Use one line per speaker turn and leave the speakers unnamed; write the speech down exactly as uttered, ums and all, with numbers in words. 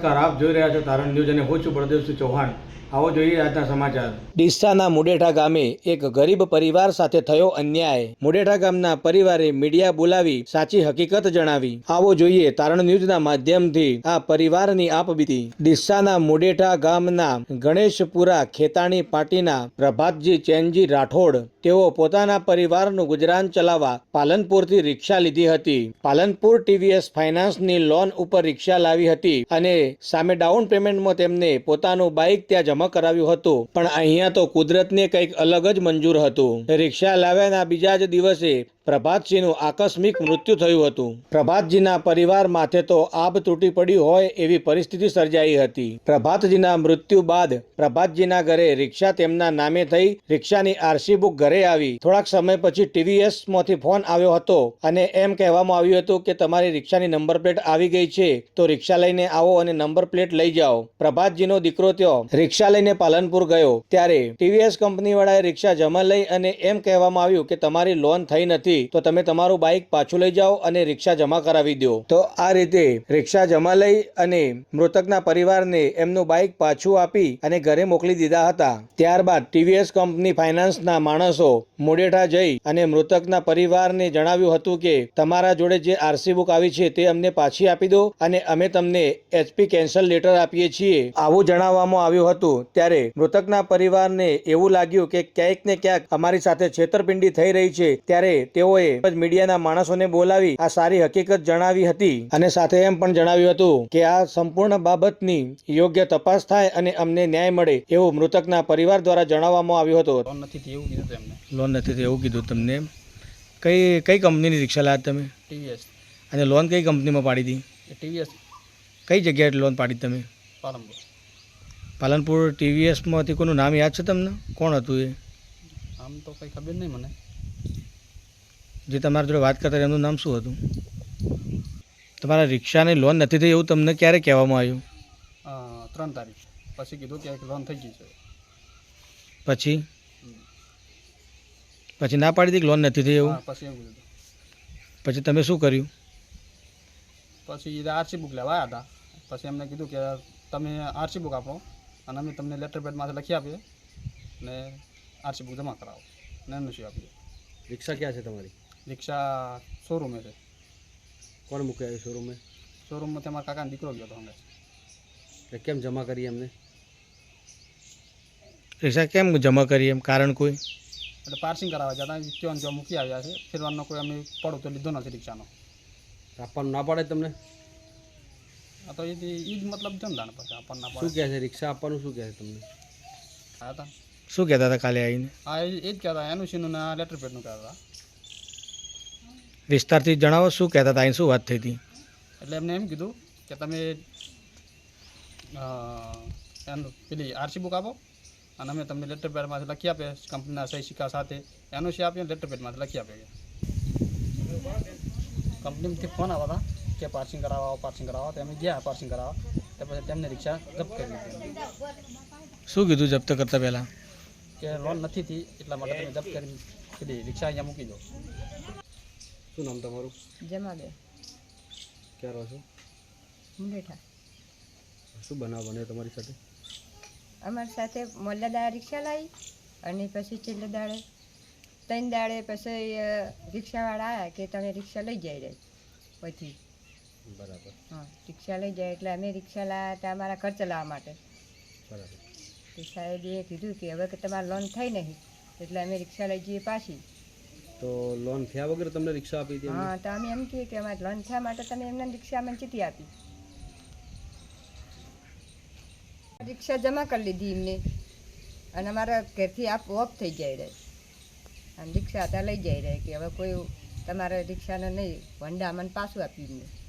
નમસ્કાર, આપ જોઈ રહ્યા છો તારણ ન્યૂઝ અને હું છું બળદેવસિંહ ચૌહાણ। આવો જોઈએ આજના સમાચાર।
ડીસાના મુડેઠા ગામે એક ગરીબ પરિવાર સાથે થયો અન્યાય। મુડેઠા ગામના પરિવારે મીડિયા બોલાવી સાચી હકીકત જણાવી। આવો જોઈએ તારણ ન્યૂઝના માધ્યમથી આ પરિવારની આપબીતી। ડીસાના મુડેઠા ગામના ગણેશપુરા ખેતાણી પાટીના પ્રભાતજી ચેનજી રાઠોડ તેઓ પોતાના પરિવારનું ગુજરાન ચલાવવા પાલનપુરથી રિક્ષા લીધી હતી। પાલનપુર ટીવીએસ ફાઇનાન્સની લોન ઉપર રિક્ષા લાવી હતી અને સામે ડાઉન પેમેન્ટમાં તેમને પોતાનું બાઇક ત્યાં જમા કરાવ્યું હતું, પણ અહીંયા તો કુદરતને કંઈક અલગ જ મંજૂર હતું। રિક્ષા લાવ્યાના બીજા જ દિવસે પ્રભાતસિંહનું આકસ્મિક મૃત્યુ થયું હતું। પ્રભાતજીના પરિવાર માથે તો આબ તૂટી પડી હોય એવી પરિસ્થિતિ સર્જાઈ હતી। પ્રભાતજીના મૃત્યુ બાદ પ્રભાતજીના ઘરે રિક્ષા તેમના નામે થઈ। રિક્ષાની આરસી બુક ઘરે આવી। થોડાક સમય પછી ટીવીએસ માંથી ફોન આવ્યો હતો અને એમ કહેવામાં આવ્યું હતું કે તમારી રિક્ષાની નંબર પ્લેટ આવી ગઈ છે, તો રિક્ષા લઈને આવો અને નંબર પ્લેટ લઈ જાઓ। પ્રભાતજીનો દીકરો ત્યો રિક્ષા લઈને પાલનપુર ગયો ત્યારે ટીવીએસ કંપની વાળાએ રિક્ષા જમા લઈ અને એમ કહેવામાં આવ્યું કે તમારી લોન થઈ નથી, તો તમે તમારું બાઇક પાછું લઈ જાઓ અને રિક્ષા જમા કરાવી દો। તો આ રીતે રિક્ષા જમા લઈ અને મૃતકના પરિવારને એમનું બાઇક પાછું આપી અને ઘરે મોકલી દીધા હતા। ત્યારબાદ ટીવીએસ કંપની ફાઇનાન્સના માણસો મુડેઠા જઈ અને મૃતકના પરિવારને જણાવ્યું હતું કે તમારા જોડે જે આરસી બુક આવી છે તે અમને પાછી આપી દો અને અમે તમને એચપી કેન્સલ લેટર આપીએ છીએ, આવું જણાવવામાં આવ્યું હતું। ત્યારે મૃતકના પરિવારને એવું લાગ્યું કે ક્યાંક ને ક્યાંક અમારી સાથે છેતરપિંડી થઈ રહી છે, ત્યારે તેઓએ મીડિયાના માણસોને બોલાવી આ સારી હકીકત જણાવી હતી અને સાથે એમ પણ જણાવ્યું હતું કે આ સંપૂર્ણ બાબતની યોગ્ય તપાસ થાય અને અમને ન્યાય મળે એવું મૃતકના પરિવાર દ્વારા જણાવવામાં આવ્યું હતું।
લોન નથી થઈ એવું કીધું એમને।
લોન નથી થઈ એવું કીધું તમને? કઈ કઈ કંપનીની રિક્ષા લાવ્યા તમે?
ટીવીએસ।
અને લોન કઈ કંપનીમાં પાડી હતી?
ટીવીએસ।
કઈ જગ્યાએ લોન પાડી તમે?
પાલનપુર।
પાલનપુર ટીવીએસમાંથી કોનું નામ યાદ છે તમને? કોણ હતું એ?
આમ તો કંઈ ખબર નહીં મને।
જે તમારા જોડે વાત કરતા એમનું નામ શું હતું? તમારા રિક્ષાની લોન નથી થઈ એવું તમને ક્યારે કહેવામાં આવ્યું?
ત્રણ તારીખ પછી કીધું કે લોન થઈ ગઈ છે।
પછી પછી ના પાડી હતી કે લોન નથી થઈ એવું?
પછી એવું કીધું।
પછી તમે શું કર્યું?
પછી આરસી બુક લેવા આવ્યા હતા। પછી એમને કીધું કે તમે આરસી બુક આપો અને અમે તમને લેટર પેડમાંથી લખી આપીએ ને આરસી બુક જમા કરાવો ને એનઓસી આપીએ।
રિક્ષા ક્યાં છે તમારી?
રિક્ષા શોરૂમે છે।
કોણ મૂકે આવ્યું શોરૂમે?
શોરૂમમાં તમારા કાકાનો દીકરો ગયો હતો અમે।
કેમ જમા કરી એમને? રિક્ષા કેમ જમા કરી એમ કારણ કોઈ?
એટલે પાર્સિંગ કરાવવા જતા ત્યાં જો મૂકી આવ્યા છે, ફેરવાનો કોઈ અમે પડો તો લીધો નથી રિક્ષાનો।
આપવાનું ના પાડે તમને?
આ તો એ જ મતલબ જમદાન પછી આપણને ના
શું કહે છે? રિક્ષા આપવાનું શું કહે છે તમને?
હા હતા
શું કહેતા હતા કાલે આવીને?
હા એ જ કહેતા એનઓસીનું ને લેટર પેડનું કહેતા હતા।
વિસ્તારથી જણાવો શું કહેતા હતા? અહીં શું વાત થઈ હતી?
એટલે એમને એમ કીધું કે તમે એનું પેલી આરસી બુક આપો અને અમે તમને લેટર પેડમાંથી લખી આપીએ કંપનીના સહી સિક્કા સાથે, એનઓસી આપીએ લેટર પેડમાંથી લખી આપીએ। કંપનીમાંથી ફોન આવ્યા હતા કે પાર્સિંગ કરાવવા પાર્સિંગ કરાવવા, તો અમે ગયા પાર્સિંગ કરાવવા, તો પછી તેમને રિક્ષા જપ્ત કરી દીધી।
શું કીધું જપ્ત કરતા પહેલાં?
કે લોન નથી થઈ એટલા માટે તમે જપ્ત કરી કીધી રિક્ષા અહીંયા મૂકી દો।
શું નામ તમારું?
જમાબેન।
ક્યાં રહો છો?
મુડેઠા।
શું બનાવ બન્યો તમારી સાથે?
અમારી સાથે મોલ્લા દાડે રિક્ષા લાવી અને પછી છેલ્લે દાડે ત્રણ દાડે પછી રિક્ષાવાળા આવ્યા કે તમે રિક્ષા લઈ જાય રહે પછી
બરાબર।
હા રિક્ષા લઈ જાય એટલે અમે રિક્ષા લાવ્યા હતા અમારા ખર્ચ લાવવા માટે।
બરાબર।
તો સાહેબે કીધું કે હવે કે તમારે લોન થઈ નહીં એટલે અમે રિક્ષા લઈ જઈએ પાછી।
તો લોન થયા વગર તમને રિક્ષા આપી હતી?
હા તો અમે એમ કહીએ કે અમારે લોન થયા માટે તમે એમને રિક્ષા અમને ચીટી આપી। રિક્ષા જમા કરી લીધી એમને અને અમારા ઘરથી આપ ઓફ થઈ જાય રહે અને રિક્ષા હતા લઈ જાય રહે કે હવે કોઈ તમારે રિક્ષાને નહીં વંડા અમને પાછું આપી એમને।